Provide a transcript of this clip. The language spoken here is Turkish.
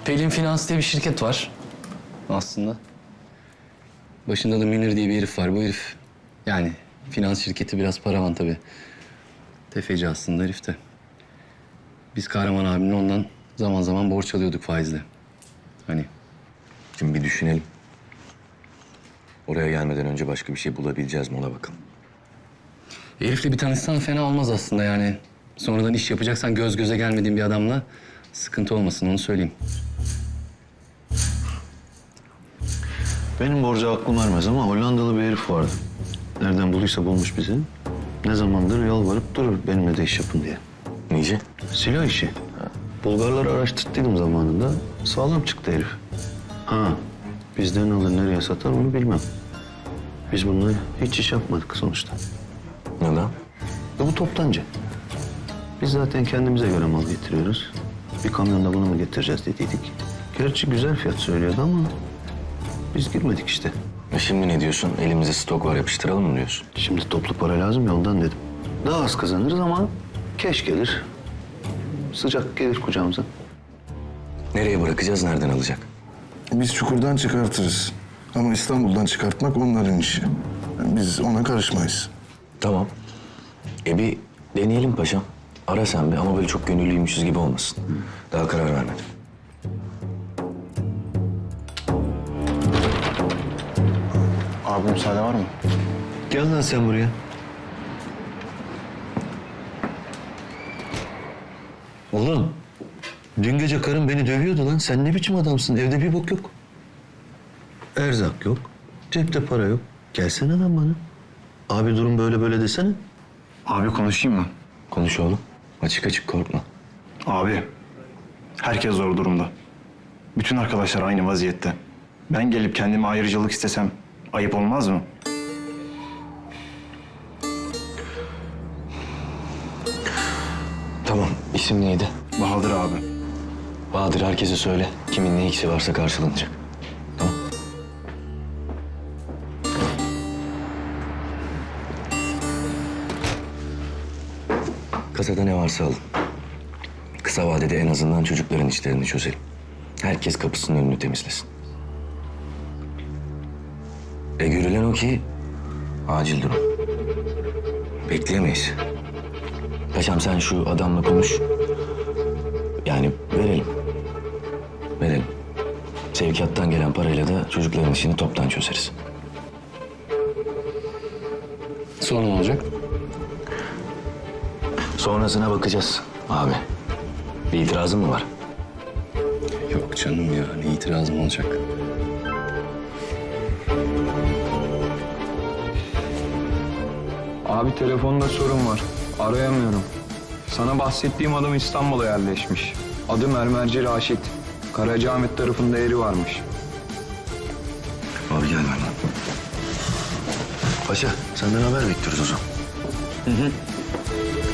Pelin Finans diye bir şirket var aslında. Başında da Münir diye bir herif var. Bu herif yani finans şirketi biraz paravan tabii. Tefeci aslında herif de. Biz Kahraman abimle ondan zaman zaman borç alıyorduk faizle. Hani Şimdi bir düşünelim. Oraya gelmeden önce başka bir şey bulabileceğiz mi ona bakalım. herifle bir tanışsan fena olmaz aslında yani. Sonradan iş yapacaksan göz göze gelmediğin bir adamla sıkıntı olmasın onu söyleyeyim. Benim borca aklım ermez ama Hollandalı bir herif vardı. Nereden bulduysa bulmuş bizi. Ne zamandır yalvarıp durur benimle de iş yapın diye. Nice? Silah işi. Bulgarları araştırttıydım zamanında. Sağlam çıktı herif. Ha, bizden alır nereye satar onu bilmem. Biz bununla hiç iş yapmadık sonuçta. Neden? Bu toptancı. Biz zaten kendimize göre mal getiriyoruz. Bir kamyonda bunu mu getireceğiz dediydik. Gerçi güzel fiyat söylüyordu ama biz girmedik işte. Şimdi ne diyorsun? Elimizde stok var yapıştıralım mı diyorsun? Şimdi toplu para lazım ya ondan dedim. Daha az kazanırız ama keş gelir. Sıcak gelir kucağımıza. Nereye bırakacağız, nereden alacak? Biz çukurdan çıkartırız. Ama İstanbul'dan çıkartmak onların işi. Biz ona karışmayız. Tamam. Bir deneyelim paşam. Ara sen bir ama böyle çok gönüllüymüşüz gibi olmasın. Daha karar vermedim. Abi müsaade var mı? Gel lan sen buraya. Oğlum, dün gece karım beni dövüyordu lan. Sen ne biçim adamsın? Evde bir bok yok. Erzak yok. Cepte para yok. Gelsene lan bana. Abi durum böyle böyle desene. Abi konuşayım mı? Konuş oğlum. Açık açık korkma. Abi, herkes zor durumda. Bütün arkadaşlar aynı vaziyette. Ben gelip kendime ayrıcalık istesem ayıp olmaz mı? Tamam. İsim neydi? Bahadır abi. Bahadır herkese söyle. Kimin ne ikisi varsa karşılanacak. Tamam. Kasada ne varsa alın. Kısa vadede en azından çocukların işlerini çözelim. Herkes kapısının önünü temizlesin. Görülen o ki acil durum. Bekleyemeyiz. Paşam sen şu adamla konuş. Yani verelim. Verelim. Sevkiyattan gelen parayla da çocukların işini toptan çözeriz. Sonra ne olacak? Sonrasına bakacağız abi. Bir itirazın mı var? Yok canım ya ne itirazım olacak? Abi telefonda sorun var. Arayamıyorum. Sana bahsettiğim adam İstanbul'a yerleşmiş. Adı Mermerci Raşit. Karacaahmet tarafında yeri varmış. Abi gel benden. Paşa senden haber bekliyoruz o zaman.